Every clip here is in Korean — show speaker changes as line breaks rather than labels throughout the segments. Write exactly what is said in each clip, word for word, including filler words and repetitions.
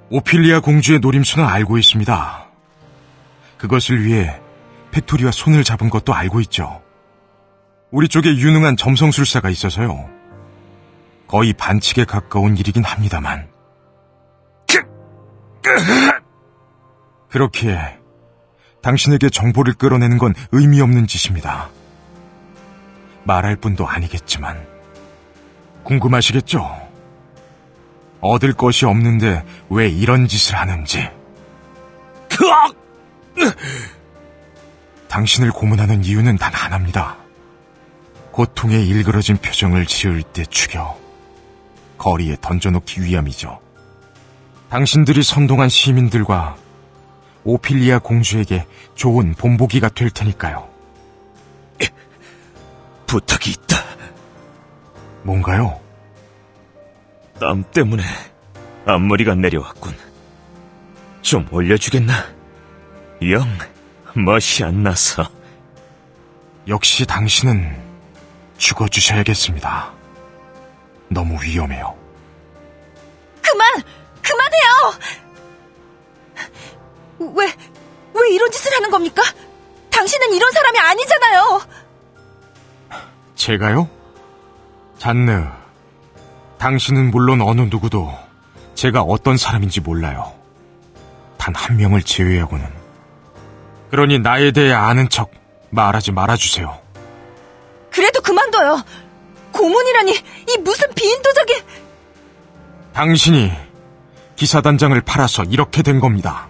오피리아 공주의 노림수는 알고 있습니다. 그것을 위해 팩토리와 손을 잡은 것도 알고 있죠. 우리 쪽에 유능한 점성술사가 있어서요. 거의 반칙에 가까운 일이긴 합니다만. 그렇기에 당신에게 정보를 끌어내는 건 의미 없는 짓입니다. 말할 뿐도 아니겠지만 궁금하시겠죠? 얻을 것이 없는데 왜 이런 짓을 하는지. 당신을 고문하는 이유는 단 하나입니다. 고통에 일그러진 표정을 지을 때 죽여 거리에 던져놓기 위함이죠. 당신들이 선동한 시민들과 오피리아 공주에게 좋은 본보기가 될 테니까요.
부탁이 있다.
뭔가요?
땀 때문에 앞머리가 내려왔군. 좀 올려주겠나? 영 멋이 안 나서.
역시 당신은 죽어주셔야겠습니다. 너무 위험해요.
그만! 그만해요! 왜, 왜 이런 짓을 하는 겁니까? 당신은 이런 사람이 아니잖아요!
제가요? 잔느, 당신은 물론 어느 누구도 제가 어떤 사람인지 몰라요. 단 한 명을 제외하고는. 그러니 나에 대해 아는 척 말하지 말아주세요.
그래도 그만둬요! 고문이라니, 이 무슨 비인도적인...
당신이 기사단장을 팔아서 이렇게 된 겁니다.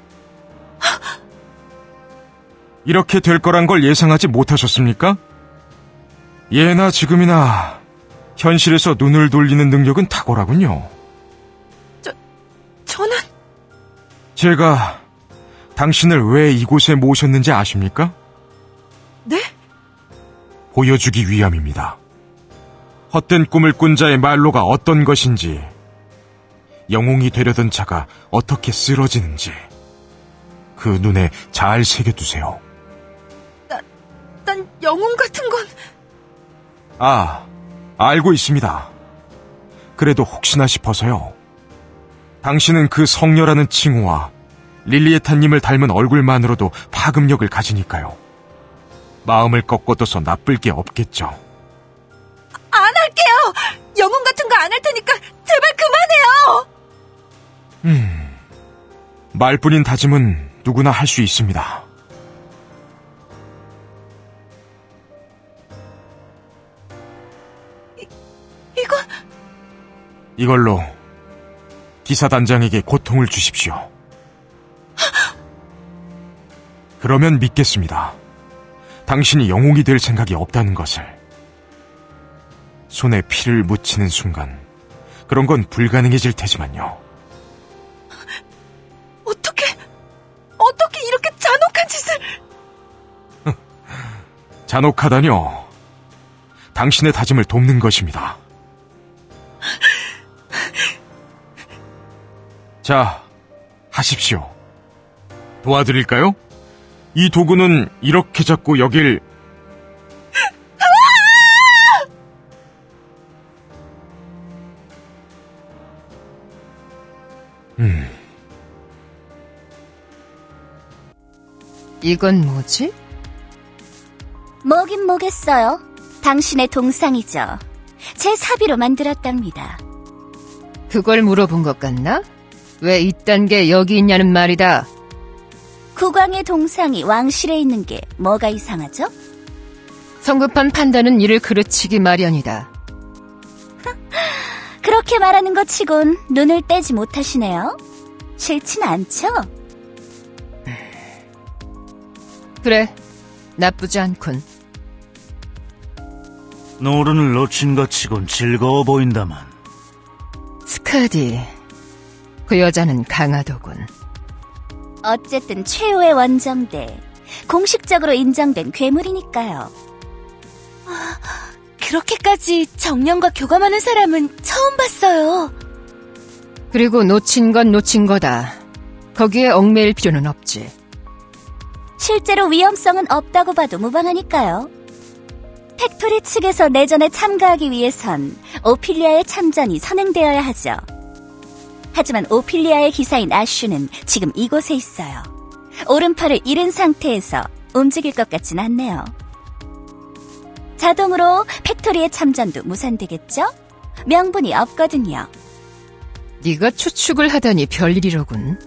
이렇게 될 거란 걸 예상하지 못하셨습니까? 예나 지금이나 현실에서 눈을 돌리는 능력은 탁월하군요.
저, 저는...
제가 당신을 왜 이곳에 모셨는지 아십니까?
네?
보여주기 위함입니다. 헛된 꿈을 꾼 자의 말로가 어떤 것인지, 영웅이 되려던 자가 어떻게 쓰러지는지 그 눈에 잘 새겨두세요.
나, 난 영웅 같은 건...
아, 알고 있습니다. 그래도 혹시나 싶어서요. 당신은 그 성녀라는 칭호와 릴리에타님을 닮은 얼굴만으로도 파급력을 가지니까요. 마음을 꺾어둬서 나쁠 게 없겠죠.
안 할게요! 영웅 같은 거 안 할 테니까 제발 그만해요!
음, 말뿐인 다짐은 누구나 할 수 있습니다.
이, 이건...
이걸로 기사단장에게 고통을 주십시오. 그러면 믿겠습니다. 당신이 영웅이 될 생각이 없다는 것을. 손에 피를 묻히는 순간 그런 건 불가능해질 테지만요.
어떻게... 어떻게 이렇게 잔혹한 짓을...
잔혹하다뇨. 당신의 다짐을 돕는 것입니다. 자, 하십시오. 도와드릴까요? 이 도구는 이렇게 잡고 여길... 음...
이건 뭐지?
뭐긴 뭐겠어요. 당신의 동상이죠. 제 사비로 만들었답니다.
그걸 물어본 것 같나? 왜 이딴 게 여기 있냐는 말이다.
국왕의 동상이 왕실에 있는 게 뭐가 이상하죠?
성급한 판단은 이를 그르치기 마련이다.
그렇게 말하는 것 치곤 눈을 떼지 못하시네요. 싫진 않죠?
그래, 나쁘지 않군.
노른을 놓친 것 치곤 즐거워 보인다만.
스카디, 그 여자는 강하더군.
어쨌든 최후의 원정대, 공식적으로 인정된 괴물이니까요. 아, 그렇게까지 정령과 교감하는 사람은 처음 봤어요.
그리고 놓친 건 놓친 거다. 거기에 얽매일 필요는 없지.
실제로 위험성은 없다고 봐도 무방하니까요. 팩토리 측에서 내전에 참가하기 위해선 오피리아의 참전이 선행되어야 하죠. 하지만 오피리아의 기사인 아슈는 지금 이곳에 있어요. 오른팔을 잃은 상태에서 움직일 것 같진 않네요. 자동으로 팩토리의 참전도 무산되겠죠? 명분이 없거든요.
네가 추측을 하다니 별일이로군.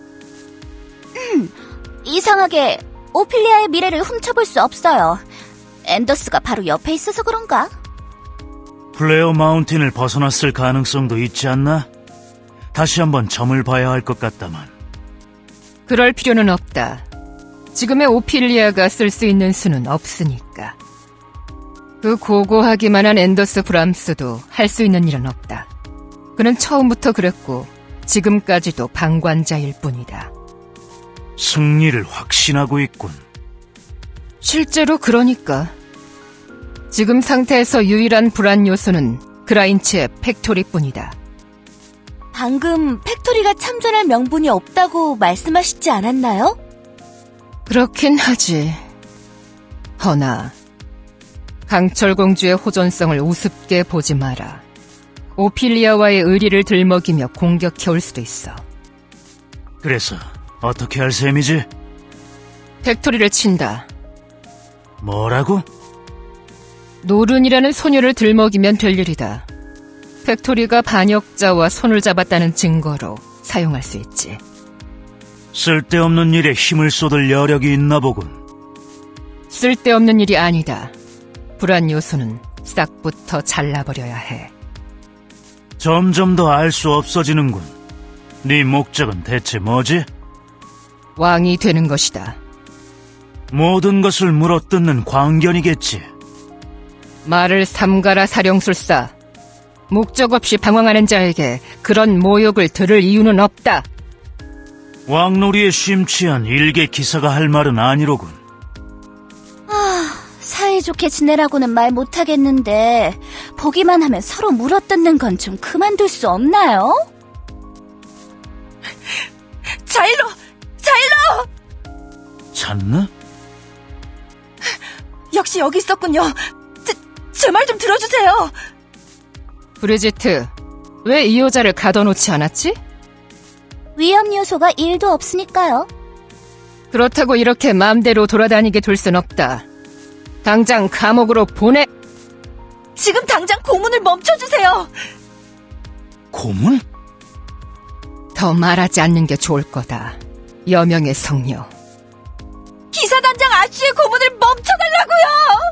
이상하게 오피리아의 미래를 훔쳐볼 수 없어요. 앤더스가 바로 옆에 있어서 그런가?
플레어 마운틴을 벗어났을 가능성도 있지 않나? 다시 한번 점을 봐야 할 것 같다만.
그럴 필요는 없다. 지금의 오피리아가 쓸 수 있는 수는 없으니까. 그 고고하기만 한 앤더스 브람스도 할 수 있는 일은 없다. 그는 처음부터 그랬고 지금까지도 방관자일 뿐이다.
승리를 확신하고 있군.
실제로 그러니까. 지금 상태에서 유일한 불안 요소는 그라인츠의 팩토리뿐이다.
방금 팩토리가 참전할 명분이 없다고 말씀하시지 않았나요?
그렇긴 하지. 허나 강철 공주의 호전성을 우습게 보지 마라. 오피리아와의 의리를 들먹이며 공격해올 수도 있어.
그래서 어떻게 할 셈이지?
팩토리를 친다.
뭐라고?
노른이라는 소녀를 들먹이면 될 일이다. 팩토리가 반역자와 손을 잡았다는 증거로 사용할 수 있지.
쓸데없는 일에 힘을 쏟을 여력이 있나 보군.
쓸데없는 일이 아니다. 불안 요소는 싹부터 잘라버려야 해.
점점 더 알 수 없어지는군. 네 목적은 대체 뭐지?
왕이 되는 것이다.
모든 것을 물어뜯는 광견이겠지.
말을 삼가라 사령술사. 목적 없이 방황하는 자에게 그런 모욕을 들을 이유는 없다.
왕놀이에 심취한 일개 기사가 할 말은 아니로군.
사이좋게 지내라고는 말 못하겠는데 보기만 하면 서로 물어뜯는 건 좀 그만둘 수 없나요?
자일로! 자일로!
찾나?
역시 여기 있었군요. 제 말 좀 들어주세요.
브리지트, 왜 이 여자를 가둬놓지 않았지?
위험 요소가 일도 없으니까요.
그렇다고 이렇게 마음대로 돌아다니게 둘 순 없다. 당장 감옥으로 보내!
지금 당장 고문을 멈춰주세요.
고문?
더 말하지 않는 게 좋을 거다. 여명의 성녀.
기사단장 아쉬의 고문을 멈춰달라고요.